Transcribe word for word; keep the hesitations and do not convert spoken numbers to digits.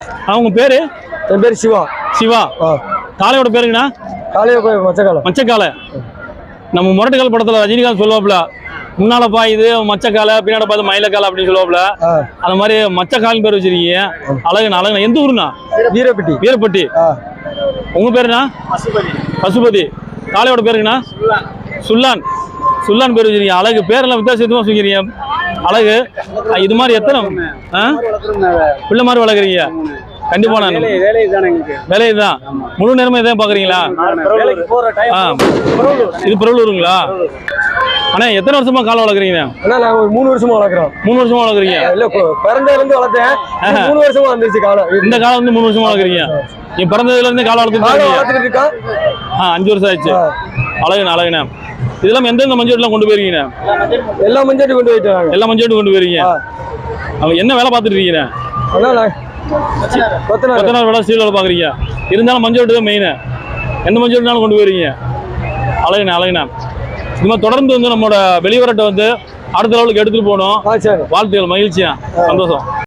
அவங்க பேரு? என் பேர் சிவா. சிவா. காளையோட பேருங்கண்ணா? காளையோ மச்சக்காலை. மச்சக்காலை. நம்ம முரட்டுக்கால் படத்துல ரஜினிகாந்த் சொல்லுவாப்ல, முன்னால பாயுது மச்சக்காலை, பின்னாடி பார்த்து மயிலக்காலை அப்படின்னு சொல்லுவாப்ல. அந்த மாதிரி மச்சக்காலின் பேர் வச்சிருக்கீங்க. அழகுண்ணா அழகுண்ணா. எந்த ஊருண்ணா? வீரப்பட்டி. வீரப்பட்டி. உங்க பேருண்ணா? பசுபதி. பசுபதி. காளையோட பேருங்கண்ணா? சுல்லான். சுல்லான் பேர் வச்சிருக்கீங்க. அழகு. பேரெல்லாம் வித்தியாசமா வச்சுக்கிறீங்க. அழகு. இது மாதிரி எத்தனை பிள்ளை மாதிரி வளர்க்குறீங்க? கண்டிப்பா நான் வேலை தான். முழு நேரமா இதான் பாக்குறீங்களா? இது பெரம்பலூருங்களா? ஆனா எத்தனை வருஷமா காலை வளர்க்குறீங்க? ஒரு மூணு வருஷமா வளர்க்குறோம். மூணு வருஷமா வளர்க்குறீங்க? இல்ல பிறந்ததுல இருந்து வளர்த்தேன். மூணு வருஷமா வந்துருச்சு காலை. இந்த காலை வந்து மூணு வருஷமா வளர்க்குறீங்க. நீ பிறந்ததுல இருந்து காலை வளர்த்துட்டு இருக்கா? அஞ்சு வருஷம் ஆயிடுச்சு. அழகுண்ணா அழகுண்ணா. இதெல்லாம் எந்தெந்த மஞ்சள் கொண்டு போயிருக்கீங்க? எல்லா மஞ்சள் கொண்டு போயிட்டு எல்லா மஞ்சள் கொண்டு போயிருக்கீங்க. அவங்க என்ன வேலை பார்த்துட்டு இருக்கீங்க? கொத்தனார் வேலை, ஸ்டீல் வேலை பாக்குறீங்க. இருந்தாலும் மஞ்சள் தான் மெயின். எந்த மஞ்சள்னாலும் கொண்டு போயிருக்கீங்க. அழகுண்ணா அழகுண்ணா. இது மாதிரி தொடர்ந்து வந்து நம்மளோட வெளிவரட்டை வந்து அடுத்த லெவலுக்கு எடுத்துட்டு போகணும். வாழ்த்துக்கள். மகிழ்ச்சியா, சந்தோஷம்.